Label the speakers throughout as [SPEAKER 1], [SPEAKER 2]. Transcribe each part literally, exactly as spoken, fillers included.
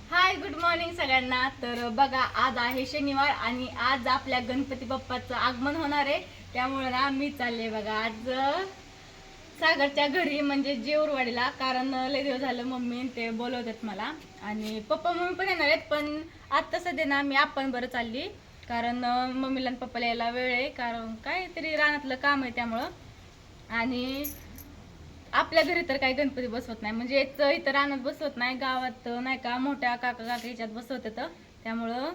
[SPEAKER 1] Hi good morning सगळ्यांना. तर बघा आज आहे शनिवार आणि आज आपल्या गणपती बाप्पाचं आगमन होणार आहे. त्यामुळे ना मी चालले बघा आज सागरच्या घरी म्हणजे जेऊरवाडीला, कारण लय दिवस झालं मम्मी ते बोलवतात मला आणि पप्पा मम्मी पण येणार आहेत. पण आता सध्या ना मी आपण बरं चालली, कारण मम्मीला आणि पप्पाला यायला वेळ आहे, कारण काहीतरी रानातलं काम आहे त्यामुळं. आणि आपल्या घरी तर काही गणपती बसवत नाही, म्हणजे इथं रानात बसवत नाही, गावात नाही का मोठ्या काका काका याच्यात बसवतात. त्यामुळं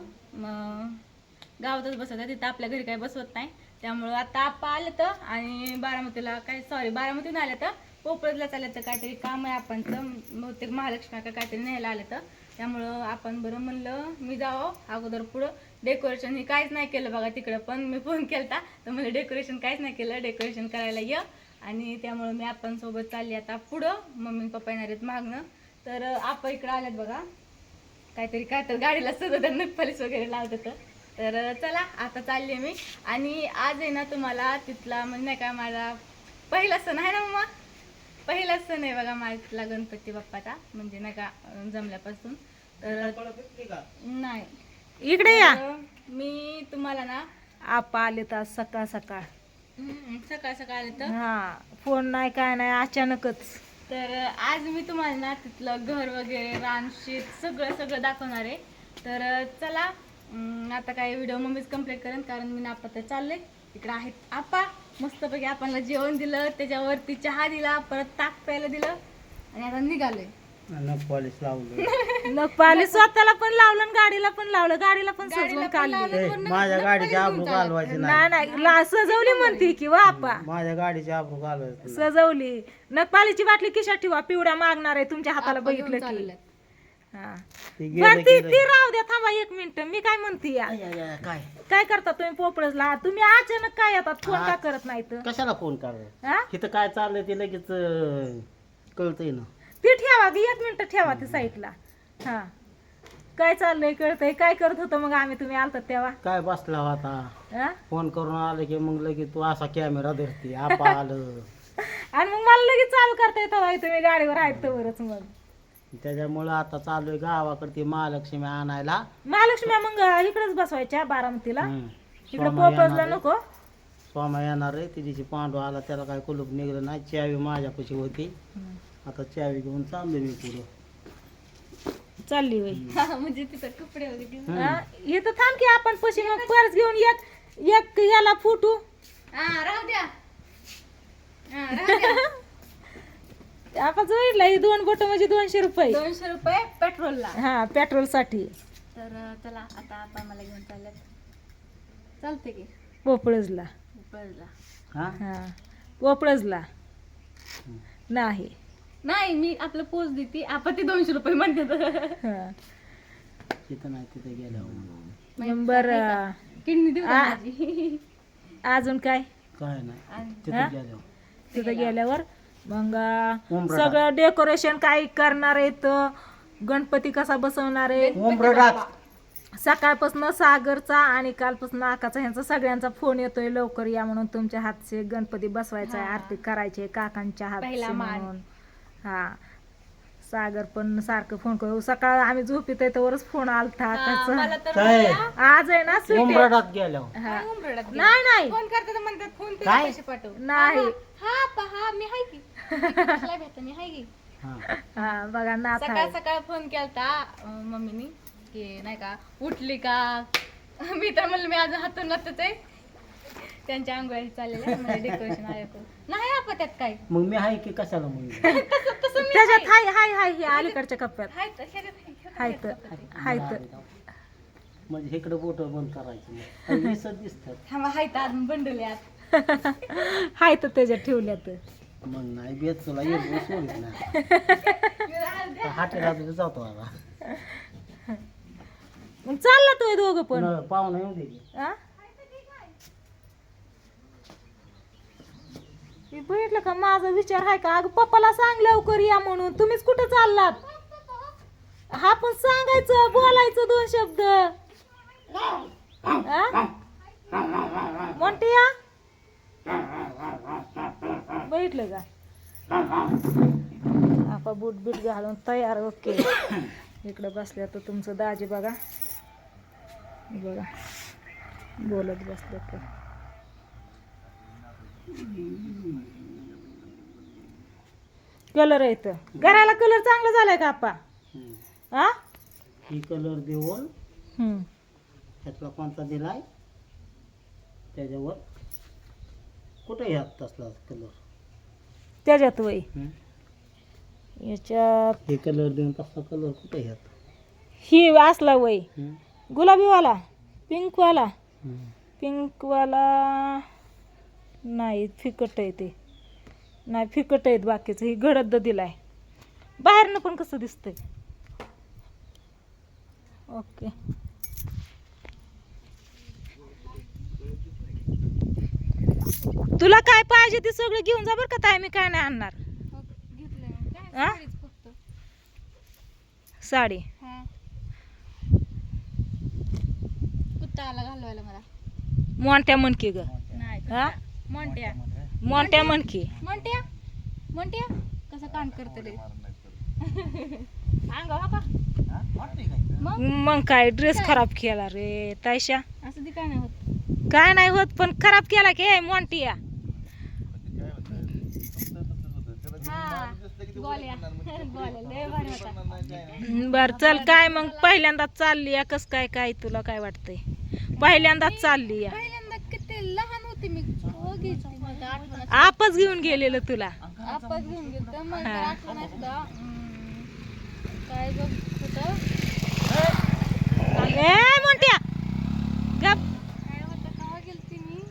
[SPEAKER 1] गावातच बसवतात, तिथं आपल्या घरी काही बसवत नाही. त्यामुळं आता आपा आले तर आणि बारामतीला काय सॉरी बारामतीहून आले तर पोपळला चालले तर काहीतरी काम आहे आपणचं, बहुतेक महालक्ष्मी का काहीतरी न्यायला आलं तर. त्यामुळं आपण बरं म्हणलं मी जावं अगोदर. पुढं डेकोरेशन हे काहीच नाही केलं बघा, तिकडं पण मी फोन केला तर मला डेकोरेशन काहीच नाही केलं, डेकोरेशन करायला ये. आणि त्यामुळं मी आपण सोबत चालली आता पुढं. मम्मी पप्पा येणार आहेत मागणं. तर आपण इकडं आल्यात बघा, काहीतरी काय तर गाडीला सगळं नखपालीस वगैरे लावत. तर चला आता चालली मी. आणि आज आहे ना तुम्हाला तिथला म्हणजे नाही का माझा पहिला सण आहे ना मम्मा, पहिला सण आहे बघा माझा तिथला गणपती बाप्पाचा, म्हणजे नाही का जमल्यापासून. तर नाही
[SPEAKER 2] इकडे या,
[SPEAKER 1] मी तुम्हाला ना
[SPEAKER 2] आपा आले तर सकाळ सकाळ
[SPEAKER 1] सकाळ सकाळ आले तर
[SPEAKER 2] हा फोन नाही काय नाही अचानकच.
[SPEAKER 1] तर आज मी तुम्हाला ना तिथलं घर वगैरे रान शेत सगळं सगळं दाखवणार आहे. तर चला आता काय व्हिडिओ मम्मीच कम्प्लीट करेन, कारण मी ना आपा तर चालले इकडं आहेत आपा. मस्तपैकी आपल्याला जेवण दिलं, त्याच्यावरती चहा दिला, परत ताक प्यायला दिलं आणि आता निघालोय.
[SPEAKER 3] नख पॉलिश लावलं,
[SPEAKER 2] नख पालिश स्वतःला पण लावलं आणि गाडीला पण लावलं, गाडीला पण सजवून काढली.
[SPEAKER 3] ए, माझ्या गाडीची आबरू घालवायची
[SPEAKER 2] नाही
[SPEAKER 3] नाही.
[SPEAKER 2] नाही ला- सजवली म्हणते की वा आपा,
[SPEAKER 3] माझ्या गाडीची आबरू घालवायची नाही.
[SPEAKER 2] सजवली. नख पालिशची बाटली खिशात ठेवा, पिवड्या मागणार आहे तुमच्या हाताला
[SPEAKER 1] आपा घेऊन
[SPEAKER 2] बघितलं की.
[SPEAKER 1] चाललेत.
[SPEAKER 2] हा
[SPEAKER 3] ती
[SPEAKER 2] बरं
[SPEAKER 3] गेलं
[SPEAKER 2] ती
[SPEAKER 3] की
[SPEAKER 2] ती राहू द्या, थांबा एक मिनिट. मी काय म्हणते या,
[SPEAKER 3] आय, आय, आय, काय
[SPEAKER 2] काय करता तुम्ही पोपळसला? तुम्ही अचानक काय येतात, फोन का करत नाही तर?
[SPEAKER 3] कशाला फोन करायचा?
[SPEAKER 2] हा
[SPEAKER 3] इथं काय चाललंय ते लगेच अं, कळतंय ना.
[SPEAKER 2] ती ठेवा की एक मिनिट ठेवा ती साईडला. हा काय चाललंय कळतंय. काय करत होतं मग आम्ही तुम्ही आलतात तेव्हा?
[SPEAKER 3] काय बसला होता,
[SPEAKER 2] हा?
[SPEAKER 3] फोन करून आलं की मग लगेच तू असा कॅमेरा धरते आपा आलं.
[SPEAKER 2] आणि मग मला लगेच चालू करता येतं बाई, तुम्ही गाडीवर आहेत तरच. मग
[SPEAKER 3] त्याच्यामुळं आता चालू आहे गावाकडे ती महालक्ष्मी आणायला.
[SPEAKER 2] महालक्ष्मी मग इकडेच बसवायच्या बारामतीला,
[SPEAKER 3] हम्म.
[SPEAKER 2] इकडे
[SPEAKER 3] स्वामा
[SPEAKER 2] पोपळला
[SPEAKER 3] येणार आहे.
[SPEAKER 2] नको.
[SPEAKER 3] स्वामा येणार आहे, तिची पांडू आला त्याला काय कुलूप निघलं नाही, चावी माझ्यापाशी होती. आता चावी घेऊन चाललोय मी पुढं.
[SPEAKER 2] चालली होय.
[SPEAKER 1] हा, म्हणजे तिथं कपडे वगैरे घेऊन.
[SPEAKER 2] हा, इथं थांब की आपण पशी मग पर्स घेऊन एक एक याला फुटू.
[SPEAKER 1] हा राहू द्या, हा, राहू द्या.
[SPEAKER 2] आपण जोडला ही दोन बोट म्हणजे दोनशे रुपये.
[SPEAKER 1] दोनशे रुपये पेट्रोलला.
[SPEAKER 2] हा पेट्रोल साठी.
[SPEAKER 1] तर चला आता आपण मला घेऊन चालल्यात. चालते की
[SPEAKER 2] पोपळजला.
[SPEAKER 1] पळला.
[SPEAKER 3] हा
[SPEAKER 2] हा पोपळजला नाही.
[SPEAKER 1] नाही मी आपलं पोच देते, आपण ते दोनशे रुपये म्हणते.
[SPEAKER 2] हा.
[SPEAKER 3] तिथं नाही तिथं गेल्यावर
[SPEAKER 2] बर
[SPEAKER 1] किडनी देऊ का
[SPEAKER 2] आ.
[SPEAKER 1] माझी?
[SPEAKER 2] अजून काय
[SPEAKER 3] काय नाही
[SPEAKER 1] आणि
[SPEAKER 2] हा?
[SPEAKER 3] तिथं गेल्यावर
[SPEAKER 2] तिथं गेल्यावर मग
[SPEAKER 3] उंबरठा.
[SPEAKER 2] सगळं डेकोरेशन काय करणार आहेत, गणपती कसा बसवणार आहे,
[SPEAKER 3] उंबरठा.
[SPEAKER 2] सकाळपासून सागरचा आणि कालपासून आकाचा ह्यांचा सगळ्यांचा फोन येतोय लवकर या म्हणून, तुमच्या हातचे गणपती बसवायचा आहे,
[SPEAKER 1] हा.
[SPEAKER 2] आरती करायची काकांच्या हातचे
[SPEAKER 1] पहिला मान.
[SPEAKER 2] म्हणून. हा सागर पण सारखं फोन करू. सकाळ आम्ही झोपीत तोवरच फोन आलता
[SPEAKER 1] हा,
[SPEAKER 2] आकाचा.
[SPEAKER 1] मला तर
[SPEAKER 3] काय?
[SPEAKER 1] म्हणला,
[SPEAKER 2] आज आहे ना सुट्टी.
[SPEAKER 3] उंबरठात गेल्यावर
[SPEAKER 2] हा.
[SPEAKER 1] काय उंबरठ्यात गेला?
[SPEAKER 2] नाही नाही
[SPEAKER 1] फोन करतात म्हणतात फोन पे
[SPEAKER 3] काय?
[SPEAKER 1] पैसे पाठव.
[SPEAKER 2] नाही.
[SPEAKER 1] हा पहा मी हाय की कशाला भेटत मी हाय की.
[SPEAKER 3] हा
[SPEAKER 2] हा बघा नाथ
[SPEAKER 1] सकाळ
[SPEAKER 2] आहे.
[SPEAKER 1] सकाळ फोन केलता अं, मम्मीनी की नाही का उठली का. मी तर म्हणलं मी आज हातून लागतच आहे, त्यांच्या आंघोळी चाललेल्या म्हणजे डेकोरेशन आहे करून. नाही आपण त्यात काय
[SPEAKER 3] मग मी आहे की कशाला मग
[SPEAKER 1] तसं तसं मी
[SPEAKER 2] त्याच्यात हाय हाय हाय हे अलीकडच्या कप्प्यात
[SPEAKER 1] हाय तर ह्याच्यात हाय, ह्याच्यात
[SPEAKER 2] हाय
[SPEAKER 1] हाय
[SPEAKER 2] तर
[SPEAKER 1] तसं.
[SPEAKER 2] हाय तर
[SPEAKER 3] म्हणजे इकडे बोट बंद करायची वीसच दिसतात.
[SPEAKER 1] थांबा हाय तर अजून बंडल्यात.
[SPEAKER 2] हाय तर त्याच्यात ठेवल्यात.
[SPEAKER 3] मग नाही बेत तुला येऊ सोडित ना हाटेला तुझं जातो आता
[SPEAKER 2] मग चालला तो दोघं पण.
[SPEAKER 3] न- पाहुणा येऊ दे की.
[SPEAKER 2] आ? हे बघितलं का माझा विचार आहे का? अगं पप्पाला सांग लवकर या म्हणून. तुम्हीच कुठं चाललात? हा पण सांगायचं बोलायचं दोन शब्द. आ? मोठी या बघितलं का? आपा बूट बीट घालून तयार. ओके इकडं बसल्या तर तुमचं दाजी बघा बघा बोलत बसले तर कलर येत घराला कलर चांगला झालाय का आप्पा
[SPEAKER 3] हम्म.
[SPEAKER 2] हा
[SPEAKER 3] ही कलर देऊन
[SPEAKER 2] हम्म.
[SPEAKER 3] ह्यातला कोणता दिलाय त्याच्यावर कुठे ह्यात तसला कलर
[SPEAKER 2] त्याच्यात वय याच्यात
[SPEAKER 3] हे कलर देऊन तसला कलर कुठे ह्यात
[SPEAKER 2] ही असला वय
[SPEAKER 3] हम्म.
[SPEAKER 2] गुलाबीवाला पिंकवाला
[SPEAKER 3] हम्म.
[SPEAKER 2] पिंकवाला नाही फिकट आहे ते नाही फिकट आहेत बाकीचं ही गडद दिलाय बाहेरनं पण कसं दिसतंय ओके तुला काय पाहिजे ते सगळं घेऊन जा बरं का ताई मी काय नाही आणणार हा? साडी
[SPEAKER 1] कुत्ता आला घालवायला मला
[SPEAKER 2] मोंट्या म्हणकी ग
[SPEAKER 1] नाही
[SPEAKER 2] हा
[SPEAKER 1] मोंट्या
[SPEAKER 2] मोंट्या म्हणकी
[SPEAKER 1] मोंट्या मोंट्या कसं कान करत रे अंगावर का मग
[SPEAKER 2] मग काय ड्रेस खराब केला रे तायशा
[SPEAKER 1] असं ती काय नाही होत
[SPEAKER 2] काय नाही होत पण खराब केला की मोंटिया
[SPEAKER 1] हा गोल्या गोल्या लय भारी होता
[SPEAKER 2] बर चल काय मग पहिल्यांदाच चालली या कस काय काय तुला काय वाटतंय पहिल्यांदाच चालली या
[SPEAKER 1] पहिल्यांदा किती लहान होती मी हो घ्यायची मला आठवण
[SPEAKER 2] आपच घेऊन गेलेलं तुला
[SPEAKER 1] आपण घेऊन गेलो तर मला
[SPEAKER 2] हा.
[SPEAKER 1] आठवण आहे सुद्धा हम्म, काय बघ होतं
[SPEAKER 2] ए मोंट्या गप
[SPEAKER 1] काय होतं केव्हा गेलती मी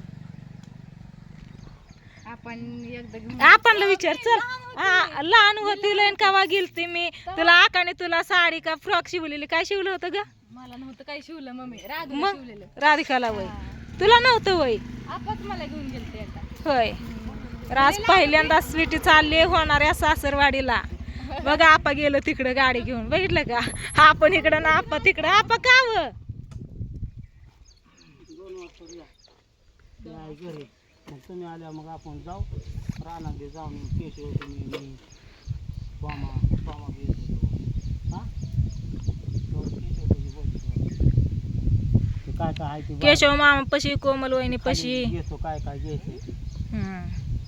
[SPEAKER 1] आपण एकदा घेऊन
[SPEAKER 2] आपणला विचार चल हा, लहान होती लयन कावा गेलती मी तुला आकाने तुला साडी का फ्रॉक शिवलेली काय शिवलं होतं ग
[SPEAKER 1] मला नव्हतं काही शिवलं मम्मी राग
[SPEAKER 2] मग
[SPEAKER 1] शिवलेलं
[SPEAKER 2] राधिकाला वय तुला नव्हतं वय
[SPEAKER 1] आपच मला घेऊन गेलते एकदा
[SPEAKER 2] होय राज पहिल्यांदा स्वीटी चालली होणाऱ्या सासरवाडीला बघा आपा गेलो तिकडं गाडी घेऊन बघितलं का आपण इकडं ना आपा तिकडं आपा काव
[SPEAKER 3] ते आहे घरी मग तुम्ही आल्या मग आपण जाऊ रानात जाऊन केशव तुम्ही मी स्वामा स्वामा बी येत होतो हा तो केशव तुझी बोलतो ते काय काय आहे ते बघ.
[SPEAKER 2] केशव मामा पशी कोमल वहिनी पशी
[SPEAKER 3] खाली घेतो काय काय घ्यायचं ते.
[SPEAKER 2] हम्म.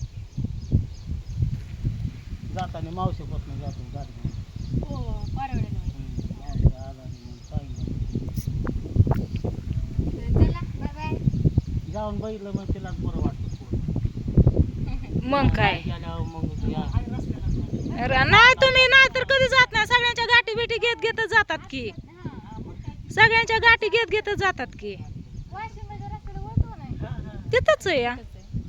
[SPEAKER 3] जाताना मावशीपासून जातो गाडी घेऊन.
[SPEAKER 1] हो परवडेल
[SPEAKER 3] हम्म, मावशी आला आणि मग सांगितलं.
[SPEAKER 1] चला बाय बाय
[SPEAKER 3] जाऊन बघितलं मग तिलाच बरं वाटतं थोडं.
[SPEAKER 2] मग काय
[SPEAKER 3] गेल्यावर मग या
[SPEAKER 2] र- नाही तुम्ही नाही तर कधी जात नाही सगळ्यांच्या गाठी बिठी घेत घेतच जातात की सगळ्यांच्या गाठी घेत घेतच जातात की
[SPEAKER 1] वाशिमच्या रस्त्याला वळतो नाही
[SPEAKER 2] तिथंच आहे या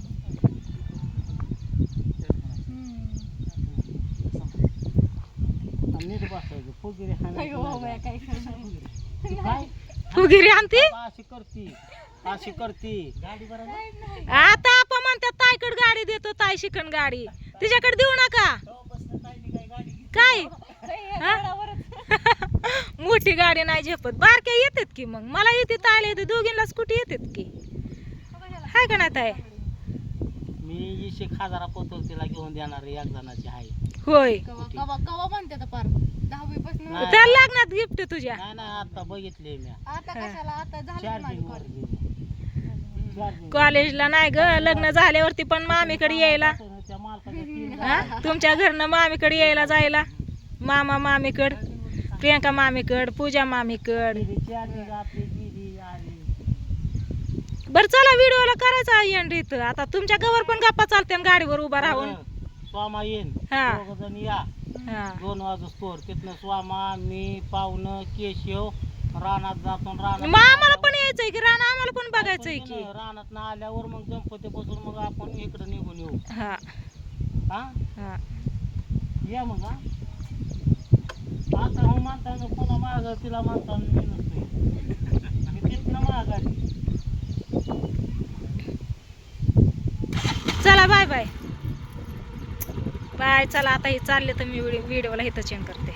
[SPEAKER 3] आणि नीट बसायचं फुगिरी
[SPEAKER 1] अयो
[SPEAKER 3] हाणायची
[SPEAKER 1] बाया,
[SPEAKER 3] नाही.
[SPEAKER 1] काय करणार?
[SPEAKER 3] ती काय
[SPEAKER 2] फुगिरी आणती
[SPEAKER 3] अशी करती अशी करती गाडी बरोबर
[SPEAKER 2] आता आपण म्हणतात ताईकडे गाडी देतो ताई शिकण गाडी तिच्याकडे देऊ नका काय हा? मोठी गाडी नाही झेपत बारक्या येतात की मग मला येते ताईला येते दोघींना स्कूटी येतात की हाय का नाही ताई
[SPEAKER 3] मी इशे खाजारा पोतल तिला घेऊन देणार आहे, एक जणाची आहे
[SPEAKER 2] होय
[SPEAKER 1] कवा कवा कवा म्हणते आता पार दहावी पासून
[SPEAKER 3] नाही.
[SPEAKER 2] त्याला लागणार गिफ्ट तुझ्या
[SPEAKER 3] नाही नाही आता बघितले मी
[SPEAKER 1] आता कशाला आता झालं
[SPEAKER 3] चार्जिंग वर
[SPEAKER 1] माझं
[SPEAKER 3] चार्जिंग
[SPEAKER 2] कॉलेजला नाही ग लग्न झाल्यावरती पण मामीकडे यायला
[SPEAKER 3] त्या मालकाच्या तीन
[SPEAKER 2] हा तुमच्या घरनं मामीकडे यायला जायला मामा मामीकड प्रियंका मामीकड पूजा मामीकड
[SPEAKER 3] गाडी चार्जिंग आपली गेली आली
[SPEAKER 2] बर चला व्हिडिओला करायचा एंड इथं आता तुमच्या गवर पण गप्पा चालते गाडीवर उभा राहून
[SPEAKER 3] स्वामा येईन
[SPEAKER 2] हा.
[SPEAKER 3] दोघ जण या
[SPEAKER 2] हा
[SPEAKER 3] दोन वाजू स्टोर तिथनं स्वामा मी पाहुणं केशव रानात जातो रानात
[SPEAKER 2] मग आम्हाला पण यायचंय की रान आम्हाला पण बघायचंय की
[SPEAKER 3] रानात ना आल्यावर मग गणपती बसून मग आपण इकडे निघून येऊ
[SPEAKER 2] हा
[SPEAKER 3] हा
[SPEAKER 2] हा
[SPEAKER 3] या मग हा आता हो म्हणताना पुन्हा माग तिला म्हणताना मी नसतोय मी तिथनं माघारी
[SPEAKER 2] चला बाय बाय बाय चला आता हे चालले तर मी व्हिडिओला इथं चेंज करते